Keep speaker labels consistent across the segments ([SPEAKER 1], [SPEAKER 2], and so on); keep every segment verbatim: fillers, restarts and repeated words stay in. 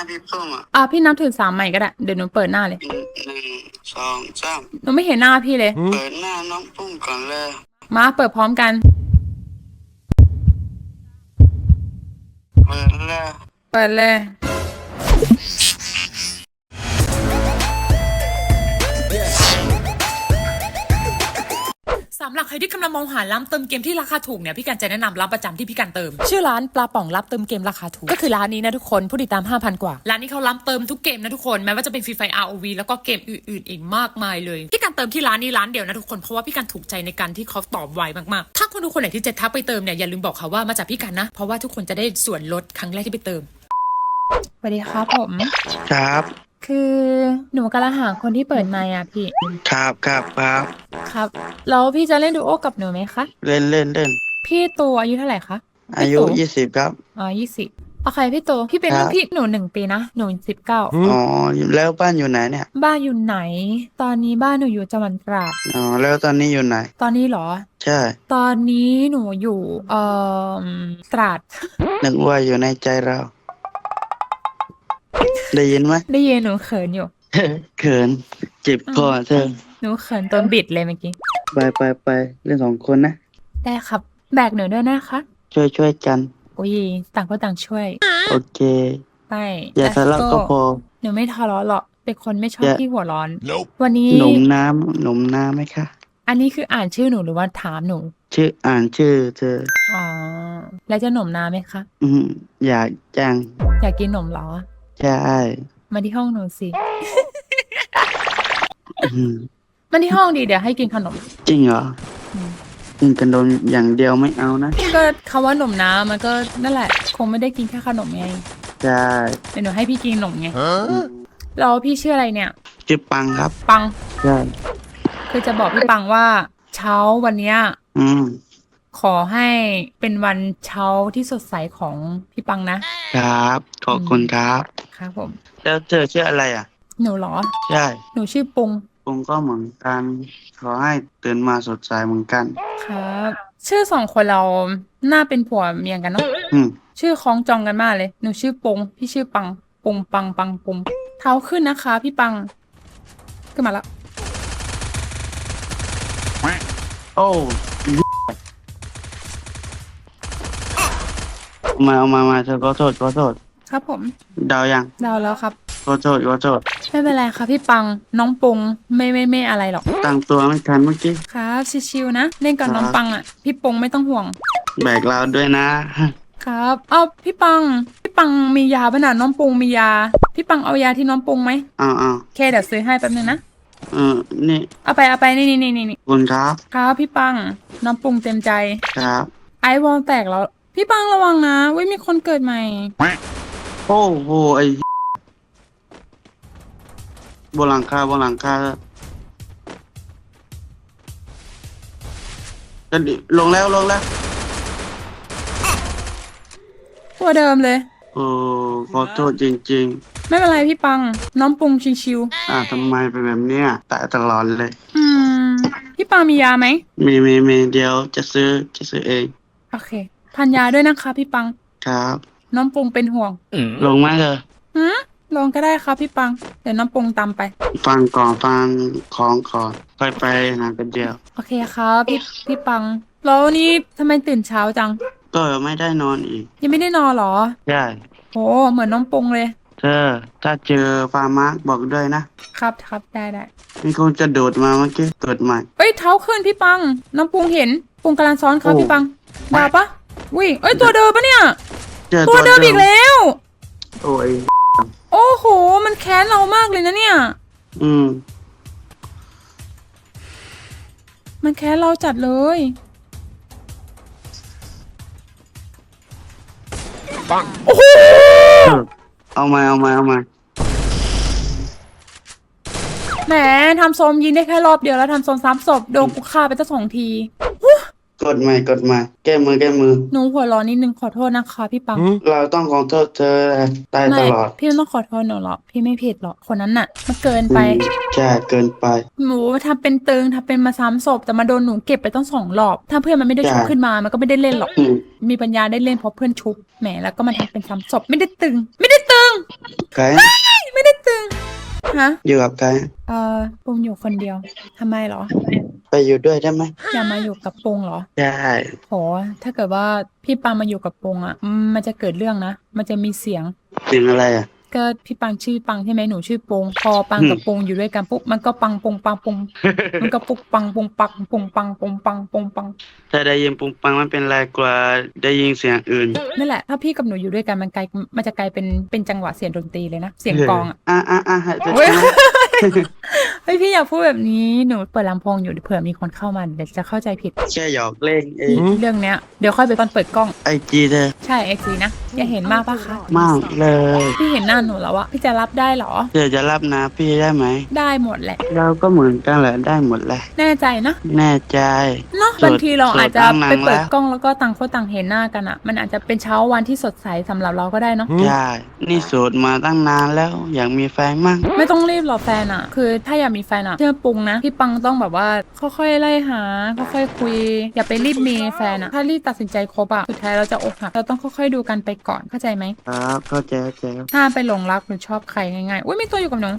[SPEAKER 1] พี่เพิ่มอ่ะ
[SPEAKER 2] อ่ะพี่นับถึงสามใหม่ก็ได้เดี๋ยวหนูเปิดหน้าเลย
[SPEAKER 1] หนึ่งสองสาม
[SPEAKER 2] หนูไม่เห็นหน้าพี่เลย
[SPEAKER 1] เปิดหน้าน้องปุ้มก่อนเลย
[SPEAKER 2] มาเปิดพร้อมกัน
[SPEAKER 1] เปิดเลย
[SPEAKER 2] เปิดเลยสำหรับใครที่กำลังมองหาร้านเติมเกมที่ราคาถูกเนี่ยพี่กันจะแนะนำร้านประจำที่พี่กันเติมชื่อร้านปลาป่องรับเติมเกมราคาถูกก็คือร้านนี้นะทุกคนผู้ติดตาม ห้าพัน กว่าร้านนี้เขารับเติมทุกเกมนะทุกคนแม้ว่าจะเป็นฟรีไฟ อาร์ โอ วี แล้วก็เกมอื่นๆอีกมากมายเลยพี่กันเติมที่ร้านนี้ร้านเดียวนะทุกคนเพราะว่าพี่กันถูกใจในการที่เขาตอบไวมากๆถ้าคนทุกคนไหนที่จะทักไปเติมเนี่ยอย่าลืมบอกเขาว่ามาจากพี่กันนะเพราะว่าทุกคนจะได้ส่วนลดครั้งแรกที่ไปเติมสวัสดีครับผม
[SPEAKER 1] ครับ
[SPEAKER 2] คือหนูกำลังหาคนที่เปิดไมค์อ่ะพี่
[SPEAKER 1] ครับครับครับ
[SPEAKER 2] ครับแล้วพี่จะเล่นดูโอกับหนูไหมคะ
[SPEAKER 1] เล่นเล่นเล่น
[SPEAKER 2] พี่ตัวอายุเท่าไหร่คะ
[SPEAKER 1] อายุยี่สิบครับ
[SPEAKER 2] อ๋อยี่สิบโอเคพี่โตพี่เป็นรุ่นพี่หนูหนึ่งปีนะหนูสิบเก้า
[SPEAKER 1] อ๋อแล้วบ้านอยู่ไหนเนี่ย
[SPEAKER 2] บ้านอยู่ไหน ตอนนี้บ้านหนูอยู่จังหวัดตราด
[SPEAKER 1] อ๋อแล้วตอนนี้อยู่ไหน
[SPEAKER 2] ตอนนี้เหรอ
[SPEAKER 1] ใช่
[SPEAKER 2] ตอนนี้หนูอยู่เอ่อตราด
[SPEAKER 1] นึกว่าอยู่ในใจเราได้ยินไหม
[SPEAKER 2] ได้ยินหนูเขินอยู่
[SPEAKER 1] เขินเจ็บคอเธอ
[SPEAKER 2] หนูเขินตอนบิดเลยเมื่อกี้
[SPEAKER 1] ไปไปไปเล่นสองคนนะ
[SPEAKER 2] ได้ครับแบกหนูด้วยนะคะ
[SPEAKER 1] ช่วยช่วยกัน
[SPEAKER 2] อุ้ยต่างคนต่างช่วย
[SPEAKER 1] โอเค
[SPEAKER 2] ไป
[SPEAKER 1] อย่าทะเลาะก็พอ
[SPEAKER 2] หนูไม่ทะเลาะหรอกเป็นคนไม่ชอบที่หัวร้อนวันนี้
[SPEAKER 1] หนุ่มน้ำหนุ่มน้ำไหมคะ
[SPEAKER 2] อันนี้คืออ่านชื่อหนูหรือว่าถามหนู
[SPEAKER 1] ชื่ออ่านชื่อเธอ
[SPEAKER 2] อ๋อแล้วจะหนมน้ำไหมคะ
[SPEAKER 1] อืมอยากจัง
[SPEAKER 2] อยากกินหนมเหรอ
[SPEAKER 1] ใช่
[SPEAKER 2] มาที่ห้องหนูสิมาที่ห้องดีเดี๋ยวให้กินขนม
[SPEAKER 1] จริงเหรอกินขนมอย่างเดียวไม่เอานะ
[SPEAKER 2] ก็คำว่าหนมน้ำมันก็นั่นแหละคงไม่ได้กินแค่ขนมไง
[SPEAKER 1] ใช่
[SPEAKER 2] เดี๋ยวหนูให้พี่กินขนมไงแล้วพี่ชื่ออะไรเนี่ย
[SPEAKER 1] ชื่อปังครับ
[SPEAKER 2] ปัง
[SPEAKER 1] ใช่
[SPEAKER 2] คือจะบอกพี่ปังว่าเช้าวันเนี้ย
[SPEAKER 1] อืม
[SPEAKER 2] ขอให้เป็นวันเช้าที่สดใสของพี่ปัง
[SPEAKER 1] นะครับขอบคุณครับ
[SPEAKER 2] ครับผม
[SPEAKER 1] แล้วเธอชื่ออะไรอ่ะ
[SPEAKER 2] หนูเหรอ
[SPEAKER 1] ใช่
[SPEAKER 2] หนูชื่อปุง
[SPEAKER 1] ปุงก็เหมือนกันขอให้ตื่นมาสดใสเหมือนกัน
[SPEAKER 2] ครับชื่อสองคนเราน่าเป็นผัวเมียกันเนาะ
[SPEAKER 1] อืม
[SPEAKER 2] ชื่อคล้องจองกันมากเลยหนูชื่อปงพี่ชื่อปังปงปังปังปงเท้าขึ้นนะคะพี่ปังขึ้นมาแล้ว
[SPEAKER 1] โอ้มาเอามามาเธอขอโทษขอโทษ
[SPEAKER 2] ครับผม
[SPEAKER 1] เดายัง
[SPEAKER 2] เดาแล้วครับ
[SPEAKER 1] ขอโทษขอโทษ
[SPEAKER 2] ไม่เป็นไรครับพี่ปังน้องปงไม่ไม่ไม่อะไรหรอก
[SPEAKER 1] ตั้งตัวไม่ทันเมื่อกี้
[SPEAKER 2] ครับชิวๆนะเล่นกับน้องปังอ่ะพี่ปงไม่ต้องห่วง
[SPEAKER 1] แบกเราด้วยนะครับ
[SPEAKER 2] เอาพี่ปังพี่ปังมียาป่ะน่ะน้องปงมียาพี่ปังเอายาที่น้องปงไหม
[SPEAKER 1] เอาเอา
[SPEAKER 2] เคเดี๋ยวซื้อให้แป๊บนึงนะ
[SPEAKER 1] เออนี่
[SPEAKER 2] เอาไปเอาไปนี่นี่นี่นี่
[SPEAKER 1] คุณครับ
[SPEAKER 2] ครับพี่ปังน้องปงเต็มใจ
[SPEAKER 1] ครับ
[SPEAKER 2] ไอวอลแตกแล้วพี่ปังระวังนะเว้ยมีคนเกิดใหม่
[SPEAKER 1] โอ้โหไอ้บนหลังคาบนหลังคาจะลงแล้วลงแล้ว
[SPEAKER 2] ตัวเดิมเลย
[SPEAKER 1] โอ้ขอโทษจริง
[SPEAKER 2] ๆไม่เป็นไรพี่ปังน้องปรุงชิว
[SPEAKER 1] ๆอ่าทำไมเป็นแบบเนี้ยตายตลอดเลย
[SPEAKER 2] อืมพี่ปังมียาไหม
[SPEAKER 1] มีมีมีเดี๋ยวจะซื้อจะซื้อเอง
[SPEAKER 2] โอเคทานยาด้วยนะคะพี่ปัง
[SPEAKER 1] ครับ
[SPEAKER 2] น้องปรุงเป็นห่วง
[SPEAKER 1] ลงมาเถอะ
[SPEAKER 2] หืมลงก็ได้ครับพี่ปังเดี๋ยวน้องปรุงตามไป
[SPEAKER 1] ฟังก่อนฟังของก่อนค่อยไปหากันเดียว
[SPEAKER 2] โอเคครับพี่พี่ปังแล้วนี่ทำไมตื่นเช้าจัง
[SPEAKER 1] ก็ไม่ได้นอนอีก
[SPEAKER 2] ยังไม่ได้นอนหรอ
[SPEAKER 1] ใช่
[SPEAKER 2] โหเหมือนน้องปรุงเลย
[SPEAKER 1] เธอถ้าเจอฟาร์มาร์กบอกด้วยนะครับ
[SPEAKER 2] ครับได้ได้
[SPEAKER 1] มีคนจะโดดมาเมื่อกี้เกิดใหม่
[SPEAKER 2] เอ้ยเท้าขึ้นพี่ปังน้องปรุงเห็นปรุงกำลังซ้อนครับพี่ปังดาวปะวิ่งเอ้ยตัวเดิมปะเนี่ยตัวเดิมอีกแล้ว
[SPEAKER 1] โอ้ย
[SPEAKER 2] โอ้โหมันแค้นเรามากเลยนะเนี่ย
[SPEAKER 1] อืม
[SPEAKER 2] มันแค้นเราจัดเลยปังโอ้โห
[SPEAKER 1] เอามาเอามาเอามา
[SPEAKER 2] แหมทำโซมยิงได้แค่รอบเดียวแล้วทำโซมซ้ำศพโดนกูฆ่าไปตั้งสองที
[SPEAKER 1] กดใหม่กดใหม่แก้มือแก้มือ
[SPEAKER 2] หนูหัวร้อนนิดนึงขอโทษนะคะพี่ปัง
[SPEAKER 1] เราต้องขอโทษเธอตายตลอด
[SPEAKER 2] พี่ไม่ต้องขอโทษหนูหรอกพี่ไม่ผิดหรอกคนนั้นน่ะมันเกินไป
[SPEAKER 1] ใช่เกินไป
[SPEAKER 2] หนูทำเป็นตึงทำเป็นมาซ้ำศพแต่มาโดนหนูเก็บไปตั้งสองรอบถ้าเพื่อนมันไม่ได้ชุบขึ้นมามันก็ไม่ได้เล่นหรอกมีปัญญาได้เล่นเพราะเพื่อนชุบแหมแล้วก็มาทำเป็นซ้ำศพไม่ได้ตึงไม่ได้ตึง
[SPEAKER 1] ใคร
[SPEAKER 2] ไม่ได้ตึงฮะ
[SPEAKER 1] อยู่กับใคร
[SPEAKER 2] เออปงอยู่คนเดียวทำไมเหรอ
[SPEAKER 1] ไปอยู่ด้วยได้ไหม
[SPEAKER 2] อย่ามาอยู่กับปงเหรอ
[SPEAKER 1] ได้
[SPEAKER 2] โหถ้าเกิดว่าพี่ปังมาอยู่กับปงอ่ะอืมมันจะเกิดเรื่องนะมันจะมีเสียง
[SPEAKER 1] เสียงอะไรอ่ะ
[SPEAKER 2] ก็พี่ปังชื่อปังใช่ไหมหนูชื่อปงพอปังกับปงอยู่ด้วยกันปุ๊บมันก็ปังปงปังปงมันก็ปุกปังปงปังปงปังปงปังปงปัง
[SPEAKER 1] ถ้าได้ยินปุงปังมันเป็นไรกว่าได้ยินเสียงอื่น
[SPEAKER 2] นั่นแหละถ้าพี่กับหนูอยู่ด้วยกันมันกลายมันจะกลายเป็นเป็นจังหวะเสียงดนตรีเลยนะเสียงกลองอ่ะ
[SPEAKER 1] อ่ะอ่ะอ่ะให้จะ
[SPEAKER 2] เว้ย เฮ้ยพี่อย่าพูดแบบนี้หนูเปิดลำโพงอยู่เผื่อมีคนเข้ามาเดี๋ยวจะเข้าใจผิด
[SPEAKER 1] แค่หยอกเล่นเอง
[SPEAKER 2] เรื่องเนี้ยเดี๋ยวค่อยไปตอนเปิดกล้อง
[SPEAKER 1] ไอจีเธอ
[SPEAKER 2] ใช่เอ็กซีนะอย่าเห็นมากปะคะ
[SPEAKER 1] มากเลย
[SPEAKER 2] พี่เห็นหน้าหนูแล้วอะพี่จะรับได้เหรอ
[SPEAKER 1] เธอจะรับนะพี่ได้ไหม
[SPEAKER 2] ได้หมดแหละ
[SPEAKER 1] เราก็เหมือนกันแหละได้หมดแหละ
[SPEAKER 2] แน่ใจนะ
[SPEAKER 1] แน่ใจ
[SPEAKER 2] เนาะ
[SPEAKER 1] โสด
[SPEAKER 2] บางทีเราอาจจะ
[SPEAKER 1] โสดตั้งนาน
[SPEAKER 2] ไปเปิด
[SPEAKER 1] แล้ว
[SPEAKER 2] กล้องแล้วก็ต่างคนต่างเห็นหน้ากันอะมันอาจจะเป็นเช้าวันที่สดใสสำหรับเราก็ได้เนาะ
[SPEAKER 1] ใช่นี่โสดมาตั้งนานแล้ว อยากมีแฟนมั่ง
[SPEAKER 2] ไม่ต้องรีบหรอกแฟนอะคือถ้าอยากมีแฟนอะเชื่อปุงนะพี่ปังต้องแบบว่าค่อยๆไล่หาค่อยๆคุย อย่าไปรีบมีแฟนอะถ้ารีบตัดสินใจคบอะสุดท้ายเราจะอกหักเราต้องค่อยๆดูกันไปก่อนเข้าใจไหม
[SPEAKER 1] ครับเข้าใจเข้าใจครับ
[SPEAKER 2] ห้ามไปหลงรักหรือชอบใครง่ายๆอุ้ยมีตัวอยู่กับหนู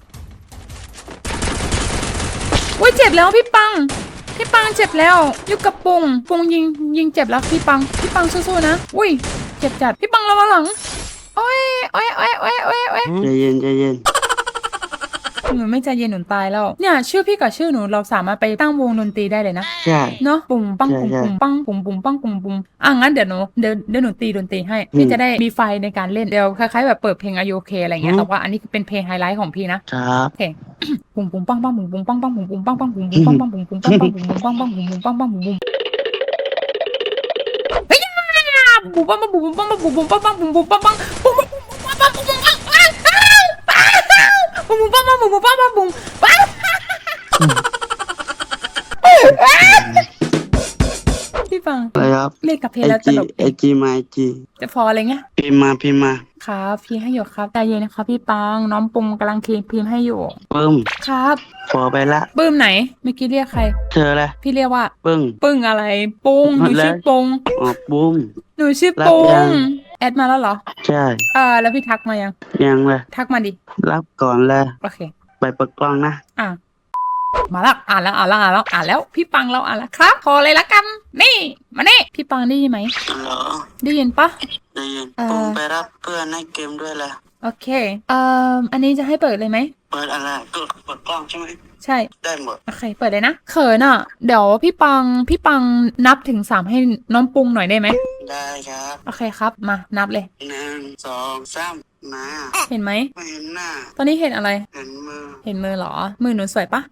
[SPEAKER 2] อุ้ยเจ็บแล้วพี่ปังพี่ปังเจ็บแล้วอยู่กับปุงปุงยิงยิงเจ็บแล้วพี่ปังพี่ปังสู้ๆนะอุ้ยเจ็บจัดพี่ปังระวังหลังโอ้ยโอ้ยโอ้ยโอ้ยโอ้ยโอ้ย
[SPEAKER 1] ใจเย็นใจเย็น
[SPEAKER 2] หนูไม่ใจเย็นหนูตายแล้วเนี่ยชื่อพี่กับชื่อหนูเราสามารถไปตั้งวงดนตรีได้เลยนะ
[SPEAKER 1] ใช่
[SPEAKER 2] เนาะปุ่มปังปุ่ม
[SPEAKER 1] ใช่
[SPEAKER 2] ปุ่มปังปุ่มปุ่มปังปุ่มปุ่มอ่ะงั้นเดี๋ยวหนูเดี๋ยวเดี๋ยวหนูตีดนตรีให้พี่
[SPEAKER 1] อืม
[SPEAKER 2] จะได้มีไฟในการเล่นเดี๋ยวคล้ายๆแบบเปิดเพลงอายุโอเคอะไรเงี้ย
[SPEAKER 1] อืม
[SPEAKER 2] แต่ว่าอันนี้เป็นเพลงไฮไลท์ของพี่นะครับ โอเค ปุ่มปุ่มปังปังปุ่มปุ่มปังปังปุ่มปุ่มปังปังปุ่มปุ่มปังปังปุ่มปุ่มปังปังปุ่มปุ่มปังปังปุ่มปุ่มปังปังปุ่มปุ่มเฮ้ยปุ่มปังปังปุ่มปุ่มปังปังปุ่มปุ่มปังปังปุ่มปุ่มปังปังปุ่มปุ่มปังปังปุ่มปุ่มปังปุ่มปุ่มปังปังปุ่มปุ่มปังปังปุ่มปังพี่ฟัง
[SPEAKER 1] อะไรครับ
[SPEAKER 2] เล่นกับเพล
[SPEAKER 1] ไอง
[SPEAKER 2] แล้วต
[SPEAKER 1] จี
[SPEAKER 2] ลก
[SPEAKER 1] ไอจีมาไอจี
[SPEAKER 2] จะพออะไรเงี้ย
[SPEAKER 1] พิมพ์มาพิมพ์มา
[SPEAKER 2] ครับพี่ให้อยู่ครับใจเย็นนะครับพี่ปังน้องปุงกำลังคีพิมพ์ให้อยู่
[SPEAKER 1] ปึ้ม
[SPEAKER 2] ครับ
[SPEAKER 1] พอไปละ
[SPEAKER 2] ปื้มไหนเมื่อกี้เรียกใคร
[SPEAKER 1] เธอแหละ
[SPEAKER 2] พี่เรียกว่า
[SPEAKER 1] ปึ้ง
[SPEAKER 2] ปึ้งอะไรปุงหนูชื่อปง
[SPEAKER 1] อ๋อปุ้ม
[SPEAKER 2] หนูชื่อ
[SPEAKER 1] รับ
[SPEAKER 2] ป
[SPEAKER 1] ยัง
[SPEAKER 2] งแอดมาแล้วเหรอ
[SPEAKER 1] ใช่
[SPEAKER 2] เออแล้วพี่ทักมายัง
[SPEAKER 1] ยังเลย
[SPEAKER 2] ทักมาดิ
[SPEAKER 1] รับก่อนเลย
[SPEAKER 2] โอเค
[SPEAKER 1] ไปเปิดกล้องนะ
[SPEAKER 2] อ่ะมาแล้วอ่านแล้วอ่านแล้วอ่านแล้วอ่านแล้วพี่ปังเราอ่านแล้วครับพอเลยละกันนี่มานี่พี่ปังได้ยินไหม
[SPEAKER 1] ฮัลโหล
[SPEAKER 2] ได้ยินปะ
[SPEAKER 1] ได้ยิน
[SPEAKER 2] เอ่อ
[SPEAKER 1] ปุ้มไปรับเพื่อนในเกมด้วยแหละ
[SPEAKER 2] โอเคเอ่ออันนี้จะให้เปิดเลยไหม
[SPEAKER 1] เปิดอะไรก็เปิดกล้องใช่ไหม
[SPEAKER 2] ใช่
[SPEAKER 1] ได้หมด
[SPEAKER 2] โอเคเปิดเลยนะเขินอ่ะเดี๋ยวพี่ปังพี่ปังนับถึงสามให้น้องปุงหน่อยได้ไหม
[SPEAKER 1] ได้ครับ
[SPEAKER 2] โอเคครับมานับเลย
[SPEAKER 1] หนึ่งสองสามมา
[SPEAKER 2] เห็นไหม
[SPEAKER 1] ไม่เห็นหน้า
[SPEAKER 2] ตอนนี้เห็นอะไร
[SPEAKER 1] เห็นมือ
[SPEAKER 2] เห็นมือเหรอ มือหนูสวยปะ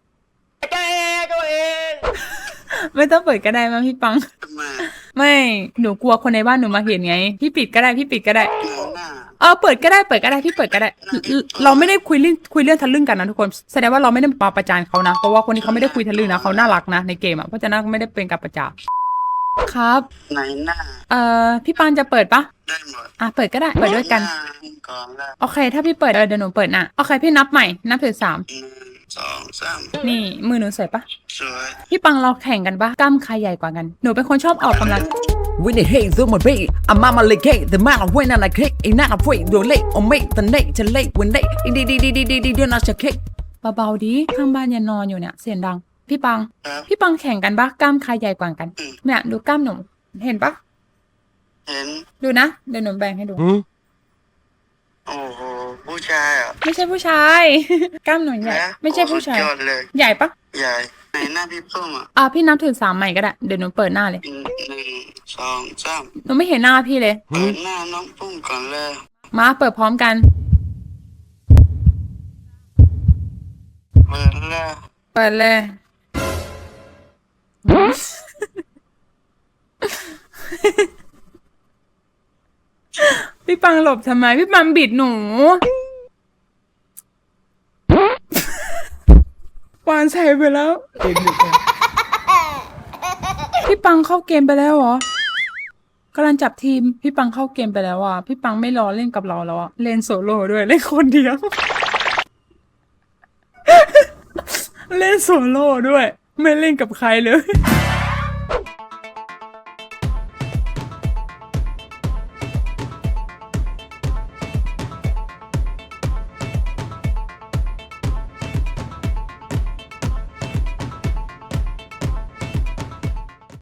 [SPEAKER 2] ไม่ต้องเปิดก็ได้มั้งพี่ปัง
[SPEAKER 1] ทำไม
[SPEAKER 2] ไม่หนูกลัวคนในบ้านหนูมาเห็นไง พี่ปิดก็ได้พี่ปิดก็ได้
[SPEAKER 1] ไม่เห็นหน้า
[SPEAKER 2] เออเปิดก็ได้เปิดก็ได้พี่เปิดก็ได้เราเราไม่ได้คุยเรื่องคุยเรื่องทะลึ่งกันนะทุกคนแสดงว่าเราไม่ได้มาประจานเขานะเพราะว่าคนนี้เขาไม่ได้คุยทะลึ่งนะเขาน่ารักนะในเกมอ่ะเพราะฉะนั้นไม่ได้เป็นการประจานครับ
[SPEAKER 1] ไหนหน้า
[SPEAKER 2] เอ่อพี่ปังจะเปิดปะ
[SPEAKER 1] ได้หมด
[SPEAKER 2] อ่ะเปิดก็ได้เปิดด้วยกัน
[SPEAKER 1] หาก่อนละ
[SPEAKER 2] โอเค ถ้าพี่เปิดเออเดี๋ยวหนูเปิดนะโอเคพี่นับใหม่นับถึงสาม
[SPEAKER 1] หนึ่งสองสาม
[SPEAKER 2] นี่มือหนูสวยปะ
[SPEAKER 1] สวย
[SPEAKER 2] พี่ปังเราแข่งกันปะกล้ามใครใหญ่กว่ากัน หนูเป็นคนชอบออกกำลัง
[SPEAKER 3] When they hate through my way, I'm on my leg, hey, the man of when I like cake, ain't not afraid, do late or make the late to late when they, di di di di di di do not your cake.
[SPEAKER 2] เบาๆดีข้างบ้านยังนอนอยู่เนี่ยเสียงดัง พี่ปัง
[SPEAKER 1] ครับ
[SPEAKER 2] พี่ปังแข่งกันปะกล้ามใครใหญ่กว่ากัน เนี่ยดูกล้ามหนูเห็นปะ
[SPEAKER 1] เห็น
[SPEAKER 2] ดูนะเดี๋ยวหนูแบ่งให้ดู
[SPEAKER 1] โอ้โหผู้ชายอ่ะ
[SPEAKER 2] ไม่ใช่ผู้ชาย กล้ามหนูใหญ่
[SPEAKER 1] นะ
[SPEAKER 2] ไม่ใช่ผู้ชาย
[SPEAKER 1] โอ้สุดยอดเลย
[SPEAKER 2] ใหญ่ปะ
[SPEAKER 1] ใหญ่ไหนหน้าพี่ปุ้มอ่ะ
[SPEAKER 2] อ่ะพี่นับถึงสามใหม่ก็ได้เดี๋ยวหนูเปิดหน้าเลย
[SPEAKER 1] หนึ่งสองสาม
[SPEAKER 2] หนูไม่เห็นหน้าพี่เลย
[SPEAKER 1] เปิดหน้าน้องปุ้มก่อนเลย
[SPEAKER 2] มาเปิดพร้อมกัน
[SPEAKER 1] เปิดเลย
[SPEAKER 2] เปิดเลย พี่ปังหลบทำไม พี่ปังบิดหนูวานใส่ไปแล้ว พี่ปังเข้าเกมไปแล้วเหรอกำลังจับทีม พี่ปังเข้าเกมไปแล้วอ่ะ พี่ปังไม่รอเล่นกับเราแล้วอ่ะ เล่นโซโล่ด้วย เล่นคนเดียว เล่นโซโล่ด้วย ไม่เล่นกับใครเลย